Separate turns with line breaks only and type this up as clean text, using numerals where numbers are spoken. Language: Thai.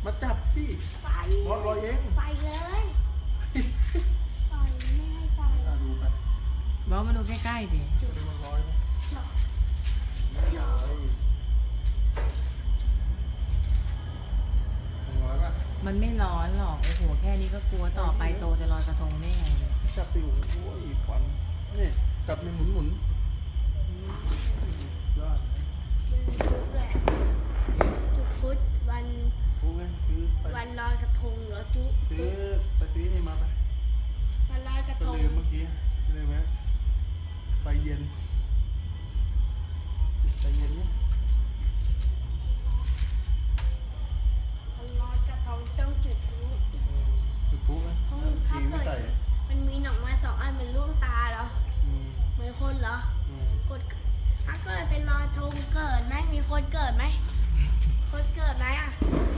มาจับที่
ไฟ
รอดลอยเอง
ไฟเลยไฟไม่ให้ไฟ
ดูไป
บอกมาดูใกล้ๆดิ
จะได้มันลอยไหม
จบ
ไม่ลอยมันลอยป่ะ
มันไม่ร้อนหรอกโอ้โหแค่นี้ก็กลัวต่อไปโตจะลอยกระทงได้ไงเนี่ย
จับติวโอ้ยควันนี่จับในหมุนยอด
จุดแหละจุดพุธวัน
รู้ไหมซื้อไป
วันลอยกระทงเหรอจุ
ซื้อไปซื้อนี่มาไป
วันลอยกระ
ก็
ทง
ลืมเมื่อกี้เลยไหมไฟเย็นไฟเย็นเนี่ย
วันลอยกระทงต้องจุดพลุ
จุดพลุไหมทีไม่ใส่
มันมีหนอกไม้2 อันเป็นลูกตาเหรอ
อืม
เหมือนคนเหรอ
อืม
กดถ้าเกิดเป็นลอยกระทงเกิดไหมมีคนเกิดไหมคนเกิดไหมอ่ะ